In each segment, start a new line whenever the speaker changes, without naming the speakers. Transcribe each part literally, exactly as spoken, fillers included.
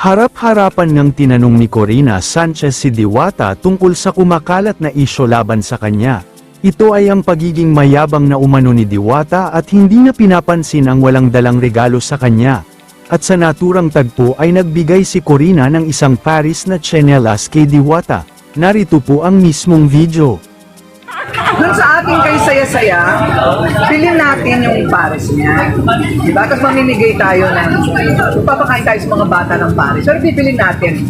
Harap-harapan ngang tinanong ni Corina Sanchez si Diwata tungkol sa kumakalat na isyo laban sa kanya. Ito ay ang pagiging mayabang na umano ni Diwata at hindi na pinapansin ang walang dalang regalo sa kanya. At sa naturang tagpo ay nagbigay si Corina ng isang Paris na tsinelas kay Diwata. Narito po ang mismong video.
Doon sa ating kay saya-saya, bilhin natin yung Paris niya. Diba? Tapos mamimigay tayo ng, papakain tayo sa mga bata ng Paris. Pero bibilin natin.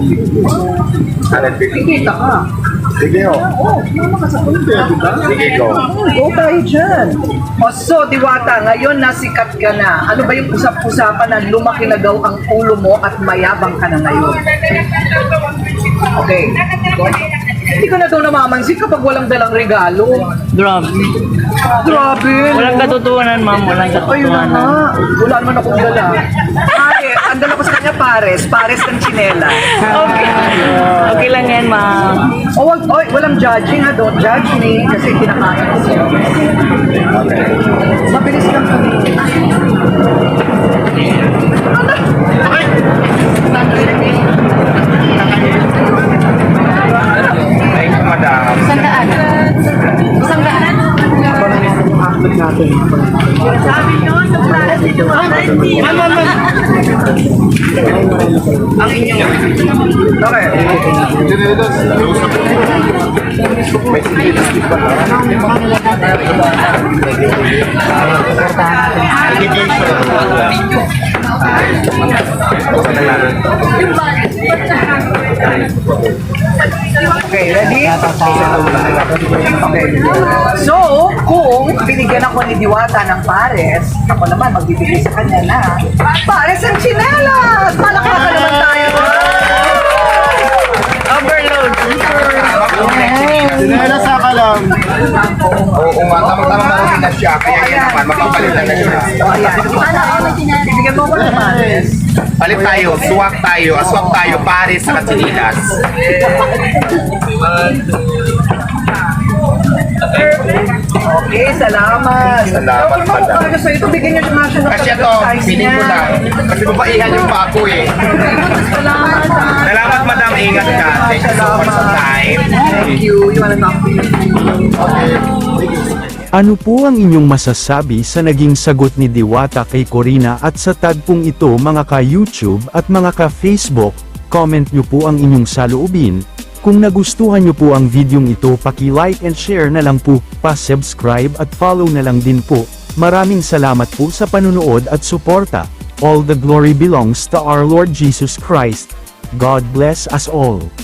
Kikita ka.
Sige ho.
Oo, mama ka sa punto, diba?
Sige ko.
Go tayo dyan. O so, Diwata, ngayon nasikat ka na. Ano ba yung usap-usapan na lumaki na daw ang ulo mo at mayabang ka na ngayon? Okay. Hindi ka na daw namamansin kapag walang dalang regalo.
Grabe.
Grabe.
Walang katotohanan, ma'am. Walang
Ayun na nga.
katotohanan.
Wala naman akong dala. Ay, ang dala ko sa kanya pares. Pares ng chinela.
Okay. Okay lang yan, ma'am.
O, wag, oy, walang judging ha. Don't judge me. Kasi kinakain ko siya. Mabilis lang kami.
Thank you, madam.
Sandaan. Sandaan. Sabi nyo, sa klase nyo,
Ang inyong... Okay.
May sinilas di ba?
Okay, ready? Okay. So, kung binigyan ako ni Diwata ng pares, ako naman magbibigay sa kanya na pares ang chinelas! Palakpakan naman tayo!
Overload.
Sinela sa ka lang. Oo nga, tamang-tamang marunong na siya. Kaya yan naman, magpapalitan na siya.
O, ayan. Bibigyan mo ko ng pares.
Palit tayo, swak tayo, aswak tayo, Paris sa Sinilas.
Okay, salamat.
Salamat,
Pero kung
madam.
talaga sa'yo, ito, bigyan niyo nga siya ng
Kasi ito,
size
piling ko
niya.
lang. Kasi babaihan yung pako eh.
Salamat.
Salamat, madam. Ingat ka. Thank you so much for time.
Thank you. You wanna talk to me?
Ano po ang inyong masasabi sa naging sagot ni Diwata kay Corina at sa tagpong ito mga ka-YouTube at mga ka-Facebook? Comment nyo po ang inyong saloobin. Kung nagustuhan nyo po ang videong ito, paki-like and share na lang po, pa-subscribe at follow na lang din po. Maraming salamat po sa panunood at suporta. All the glory belongs to our Lord Jesus Christ. God bless us all.